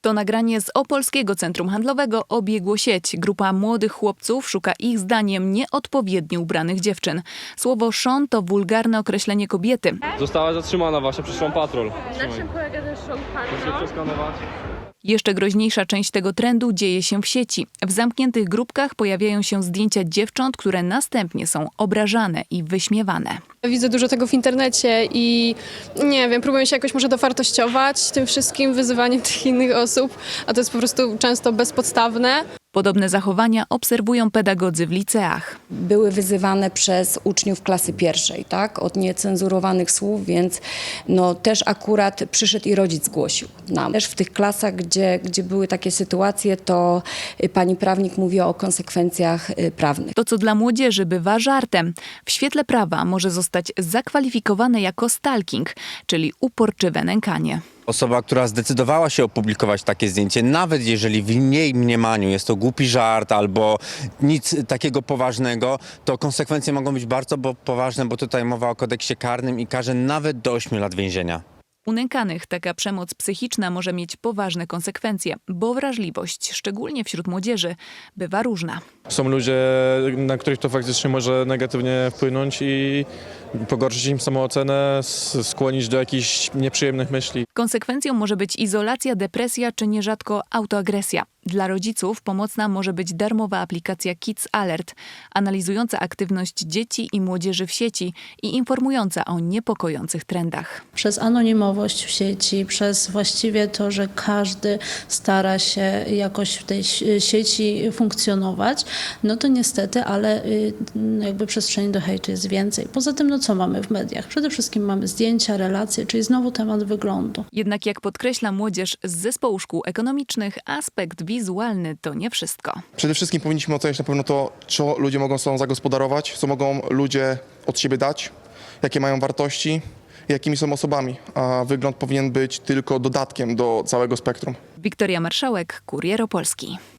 To nagranie z Opolskiego Centrum Handlowego obiegło sieć. Grupa młodych chłopców szuka ich zdaniem nieodpowiednio ubranych dziewczyn. Słowo szon to wulgarne określenie kobiety. Została zatrzymana właśnie, przyszłam patrol. Na czym polega ten show Muszę się przeskanować. Jeszcze groźniejsza część tego trendu dzieje się w sieci. W zamkniętych grupkach pojawiają się zdjęcia dziewcząt, które następnie są obrażane i wyśmiewane. Widzę dużo tego w internecie i nie wiem, próbuję się jakoś może dowartościować tym wszystkim wyzywaniem tych innych osób, a to jest po prostu często bezpodstawne. Podobne zachowania obserwują pedagodzy w liceach. Były wyzywane przez uczniów klasy pierwszej, tak, od niecenzurowanych słów, więc też akurat przyszedł i rodzic zgłosił nam. Też w tych klasach, gdzie były takie sytuacje, to pani prawnik mówiła o konsekwencjach prawnych. To, co dla młodzieży bywa żartem, w świetle prawa może zostać zakwalifikowane jako stalking, czyli uporczywe nękanie. Osoba, która zdecydowała się opublikować takie zdjęcie, nawet jeżeli w jej mniemaniu jest to głupi żart albo nic takiego poważnego, to konsekwencje mogą być bardzo poważne, bo tutaj mowa o kodeksie karnym i karze nawet do 8 lat więzienia. U nękanych taka przemoc psychiczna może mieć poważne konsekwencje, bo wrażliwość, szczególnie wśród młodzieży, bywa różna. Są ludzie, na których to faktycznie może negatywnie wpłynąć i pogorszyć im samoocenę, skłonić do jakichś nieprzyjemnych myśli. Konsekwencją może być izolacja, depresja czy nierzadko autoagresja. Dla rodziców pomocna może być darmowa aplikacja Kids Alert, analizująca aktywność dzieci i młodzieży w sieci i informująca o niepokojących trendach. Przez anonimowość w sieci, przez właściwie to, że każdy stara się jakoś w tej sieci funkcjonować, no to niestety, ale jakby przestrzeni do hejtu jest więcej. Poza tym, co mamy w mediach? Przede wszystkim mamy zdjęcia, relacje, czyli znowu temat wyglądu. Jednak jak podkreśla młodzież z Zespołu Szkół Ekonomicznych, aspekt wizualny to nie wszystko. Przede wszystkim powinniśmy oceniać na pewno to, co ludzie mogą sobą zagospodarować, co mogą ludzie od siebie dać, jakie mają wartości, jakimi są osobami, a wygląd powinien być tylko dodatkiem do całego spektrum. Wiktoria Marszałek, Kurier Opolski.